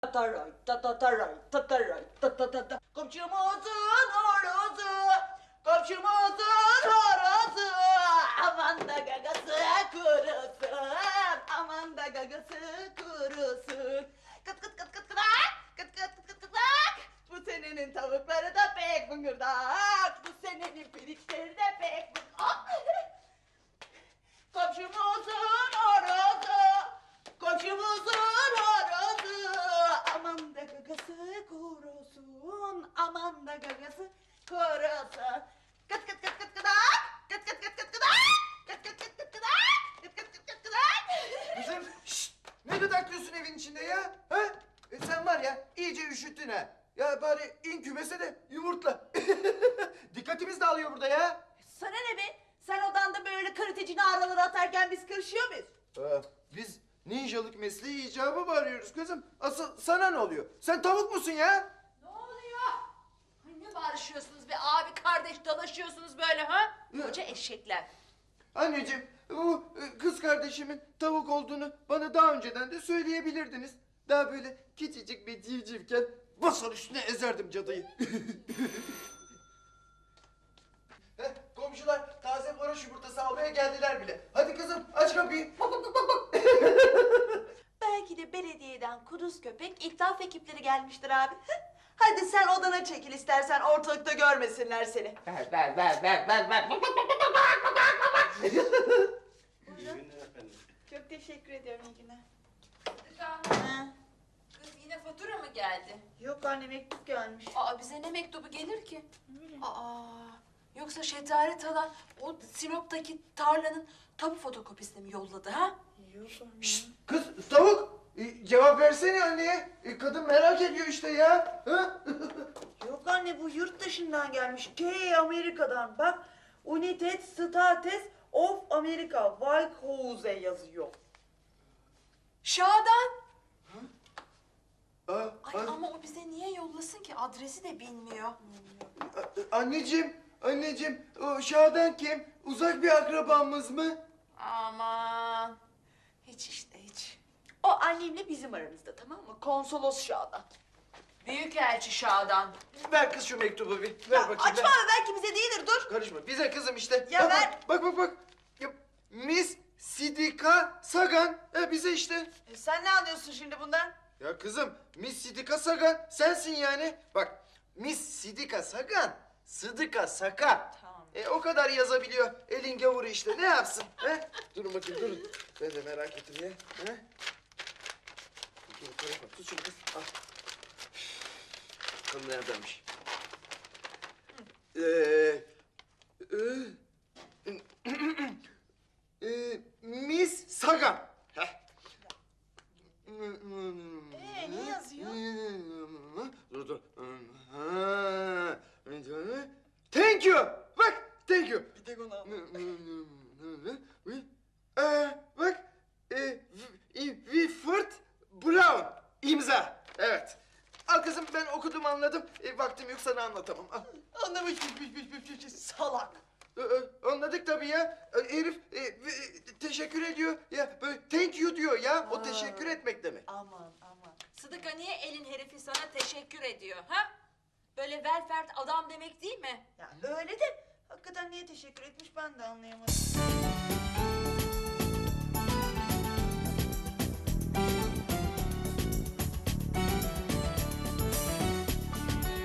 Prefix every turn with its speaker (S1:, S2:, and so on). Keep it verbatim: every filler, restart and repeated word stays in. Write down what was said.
S1: Tataray, tatataray, tataray, tatatata. Komşumuzun horozu, komşumuzun horozu. Aman da gagası kurusun, aman da gagası kurusun. Kıt kıt kıt kıt kıdak, kıt kıt kıt kıt kıdak. Bu senenin tavukları da pek bıngırdak, bu senenin pirinçleri de pek bıngırdak. Komşumuzun horozu, komşumuzun horozu. Aman da gagası kurusun, aman da gagası kurusun. Kıt kıt kıt kıt kıdak, kıt kıt kıt kıt kıdak, kıt kıt kıt kıt kıdak, kıt kıt kıt kıt kıdak.
S2: Kızım şşt! Ne gıdaklıyorsun evin içinde ya? Ha? E sen var ya iyice üşüttün ha. Ya bari in kümese de yumurtla. Dikkatimiz dağılıyor burada ya.
S1: Sana ne be? Sen odanda böyle kırıtıcı naraları atarken biz kırışıyor muyuz?
S2: Aa, biz ninjalık mesleği icabı mı arıyoruz kızım? Asıl sana ne oluyor? Sen tavuk musun ya?
S3: Ne oluyor? Ay ne bağırışıyorsunuz be abi kardeş dalaşıyorsunuz böyle ha? Koca eşekler.
S2: Anneciğim bu e, kız kardeşimin tavuk olduğunu bana daha önceden de söyleyebilirdiniz. Daha böyle küçücük bir civcivken basar üstüne ezerdim cadıyı. Heh, komşular taze varoş yumurtası almaya geldiler bile. Hadi kızım aç kapıyı. Bak bak bak bak bak.
S1: Belki de belediyeden kuduz köpek itlaf ekipleri gelmiştir abi. Hadi sen odana çekil istersen ortalıkta görmesinler seni.
S2: Ver ver ver ver ver ver.
S4: İyi günler efendim.
S1: Çok teşekkür ediyorum, iyi günler.
S3: Sıdıka, kız yine fatura mı geldi?
S1: Yok anne, mektup gelmiş.
S3: Aa bize ne mektubu gelir ki? Aa yoksa Şetaret Hala o Sinop'taki tarlanın tapu fotokopisini mi yolladı ha?
S1: Yok anne.
S2: Şşt, kız tavuk e, cevap versene anneye. E, kadın merak ediyor işte ya. Ha?
S1: Yok anne, bu yurt dışından gelmiş. T Amerika'dan. Bak, United States of America, Whitehouse'e yazıyor.
S3: Şadan.
S2: Aa,
S3: Ay
S2: an-
S3: ama o bize niye yollasın ki adresi de bilmiyor.
S2: a- anneciğim, anneciğim o Şadan kim? Uzak bir akrabamız mı?
S3: Aman hiç işte hiç.
S1: O annemle bizim aramızda, tamam mı? Konsolos Şadan.
S3: Büyükelçi Şadan.
S2: Ver kız şu mektubu bir. Ver
S1: Ya
S2: bakayım.
S1: açma
S2: ver.
S1: abi, belki bize değildir, dur.
S2: Karışma. Bize kızım işte.
S1: Ya
S2: bak,
S1: ver.
S2: Bak bak bak. Ya, Miss Sidika Sagan. E, bize işte.
S1: E, sen ne anlıyorsun şimdi bundan?
S2: Ya kızım Miss Sidika Sagan sensin yani. Bak Miss Sidika Sagan. Sıdıka Saka.
S1: Tamam.
S2: E, o kadar yazabiliyor. Elin gavuru işte. Ne yapsın? He? Durun bakayım durun. Ben de merak ettim ya. He? Dur, karışma. Tut şunu kız. Al. Bakalım neredenmiş. Ee, e, e, Miss Sagan. Heh.
S1: Ee, ne yazıyor?
S2: Dur dur. Ha. Thank you. Bak, thank you.
S1: Bir tek onu
S2: Ee, bak, e, Wilford Brown imza. Evet. Al kızım ben okudum anladım. E, vaktim yok sana anlatamam. Al.
S1: Anlamış, salak.
S2: Ee, Anladık tabii ya. Ee, Herif e, e, teşekkür ediyor. Ya böyle thank you diyor ya. O
S1: Ha.
S2: teşekkür etmek demek.
S1: Aman aman.
S3: Sıdıka niye elin herifi sana teşekkür ediyor ha? Böyle velfert adam demek değil mi?
S1: Ya öyle de hakikaten niye teşekkür etmiş ben de anlayamadım.